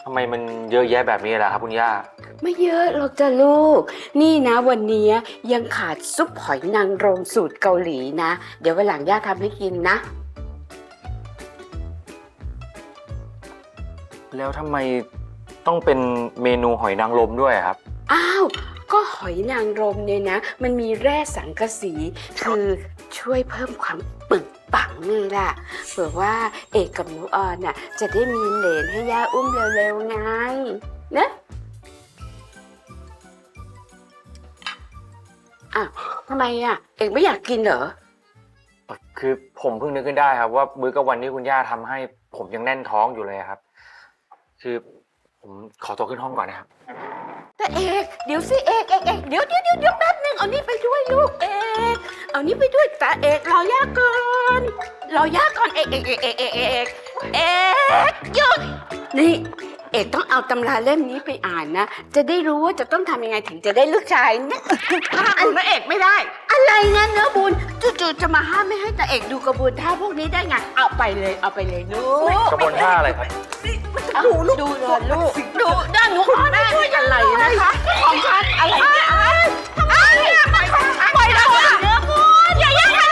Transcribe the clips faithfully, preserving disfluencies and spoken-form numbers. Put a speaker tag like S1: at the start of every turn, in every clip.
S1: ำไมมันเยอะแยะแบบนี้ล่ะครับคุณย่า
S2: ไม่เยอะหรอกจ้ะลูกนี่นะวันนี้ยังขาดซุปหอยนางรมสูตรเกาหลีนะเดี๋ยววันหลังย่าทำให้กินนะ
S1: แล้วทำไมต้องเป็นเมนูหอยนางรมด้วยครับ
S2: อ้าวก็หอยนางรมเนี่ยนะมันมีแร่สังกะสีคือช่วยเพิ่มความปึกปังนี่ล่ะเผื่อว่าเอกกับหนูออนน่ะจะได้มีเหลนให้ย่าอุ้มเร็วๆไงนะอ่ะทำไมอ่ะเอกไม่อยากกินเหรอ
S1: คือผมเพิ่งนึกขึ้นได้ครับว่ามื้อกลางวันที่คุณย่าทำให้ผมยังแน่นท้องอยู่เลยครับคือผมขอตัวขึ้นห้องก่อนนะครับ
S2: แต่เอกเดี๋ยวสิเอกเอกเอกเดี๋ยวเดี๋ยวเดี๋ยวเดี๋ยวแป๊บนึงเอานี่ไปด้วยลูกเอกเอานี่ไปด้วยแต่เอกรอย่าก่อนรอย่าก่อนเอกเอกเอกเอกเอกเอกเอกหยุดนี่เอกต้องเอาตำราเล่มนี้ไปอ่านนะจะได้รู้ว่าจะต้องทำยังไงถึงจะได้ลูกชายเนี่ยห้ามคุณเอกไม่ได้อะไรงั้นเนื้อบุญจู่ๆจะมาห้ามไม่ให้แต่เอกดูกระบวนท่าพวกนี้ได้ไงเอาไปเลยเอาไปเลยลูก
S1: กระบวนท่าอะไรครับ
S2: ดูลูกดูเลยลูกดูด้านหนูแม่ช่วยอะไรนะคะของฉันอะไรเนี่ยทำไมปล่อยปล่อยเราเนื้อบุญอย่าแย่งกัน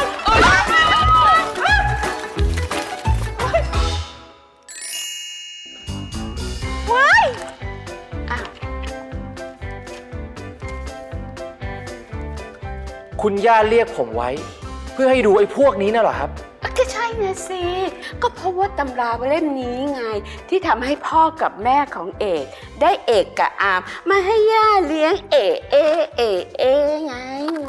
S2: ว้าย
S1: คุณย่าเรียกผมไว้เพื่อให้ดูไอ้พวกนี้น่ะเหรอครับ
S2: ก็ใช่นะสิก็เพราะว่าตำราเล่มนี้ไงที่ทำให้พ่อกับแม่ของเอกได้เอกกับอามมาให้ย่าเลี้ยงเอเอเอเอไง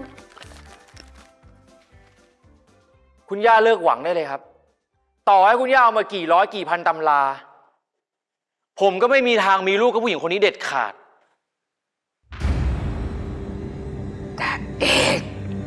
S1: คุณย่าเลิกหวังได้เลยครับต่อให้คุณย่าเอามากี่ร้อยกี่พันตำราผมก็ไม่มีทางมีลูกกับผู้หญิงคนนี้เด็ดขาด
S2: แต่เอก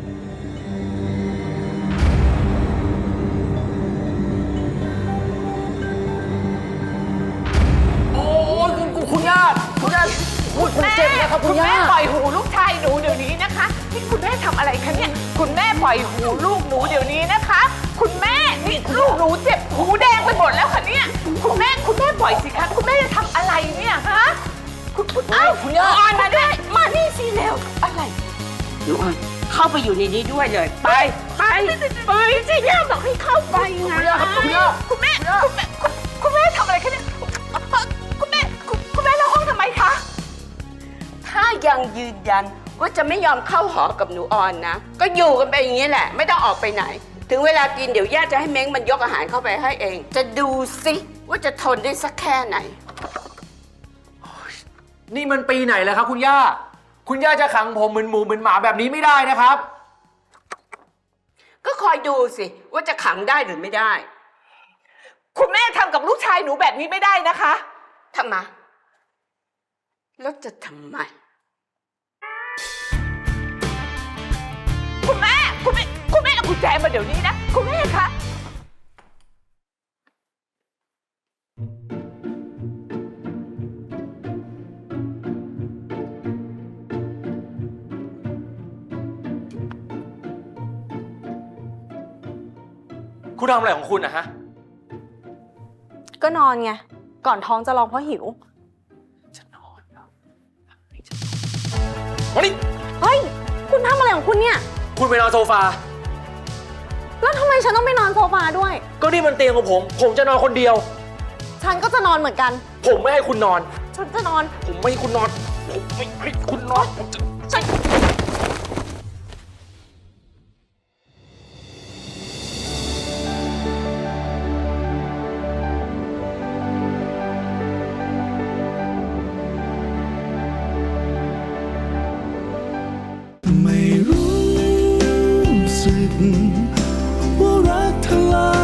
S1: คุณย่าคุณย่าพูดผมเจ็บนะครับคุณย่า
S3: คุณแม่ปล่อยหูลูกชายหนูเดี๋ยวนี้นะคะนี่คุณแม่ทำอะไรคะเนี่ยคุณแม่ปล่อยหูลูกหนูเดี๋ยวนี้นะคะคุณแม่นี่ลูกหนูเจ็บหูแดงไปหมดแล้วค่ะเนี่ยคุณแม่คุณแม่ปล่อยสิคะคุณแม่จะทำอะไรเนี่ยฮะคุณคุณอ้าว
S1: คุณย่า
S3: ออนมาด้วยมานี่สิเร็วอะไร
S2: หนูออนเข้าไปอยู่ในนี้ด้วยเลยไปไปไปสิย่าบอกให้เข้าไปไง
S1: คุณย่าครับคุณย่า
S3: คุณแม่คุณแม่คุณแม่ทำอะไรคะเนี่ยคุณแม่คุณแม่เล่าห้องทำไมคะ
S2: ถ้ายังยืนยันว่าจะไม่ยอมเข้าหอกับหนูออนนะก็อยู่กันไปอย่างนี้แหละไม่ต้องออกไปไหนถึงเวลากินเดี๋ยวย่าจะให้เม้งมันยกอาหารเข้าไปให้เองจะดูสิว่าจะทนได้สักแค่ไหน
S1: นี่มันปีไหนแล้วครับคุณย่าคุณย่าจะขังผมเหมือนหมูเหมือนหมาแบบนี้ไม่ได้นะครับ
S2: ก็คอยดูสิว่าจะขังได้หรือไม่ได้
S3: คุณแม่ทำกับลูกชายหนูแบบนี้ไม่ได้นะคะ
S2: ทำไมแล้วจะทำไม
S3: คุณแม่คุณแม่คุณแม่เอากุญแจมาเดี๋ยวนี้นะคุณแม่คะ
S1: คุณทำอะไรของคุณนะฮะ
S4: ก็นอนไงก่อนท้องจะร้องเพราะหิว
S1: จะนอนแล้วมาดิ
S4: เฮ้ยคุณทำอะไรของคุณเนี่ย
S1: คุณไปนอนโซฟา
S4: แล้วทำไมฉันต้องไปนอนโซฟาด้วย
S1: ก็นี่มันเตียงของผมผมจะนอนคนเดียว
S4: ฉันก็จะนอนเหมือนกัน
S1: ผมไม่ให้คุณนอน
S4: ฉันจะนอน
S1: ผมไม่ให้คุณนอนผมไม่ให้คุณนอนผมจะฉัน
S5: ไม่รู้สึกว่ารักเธอ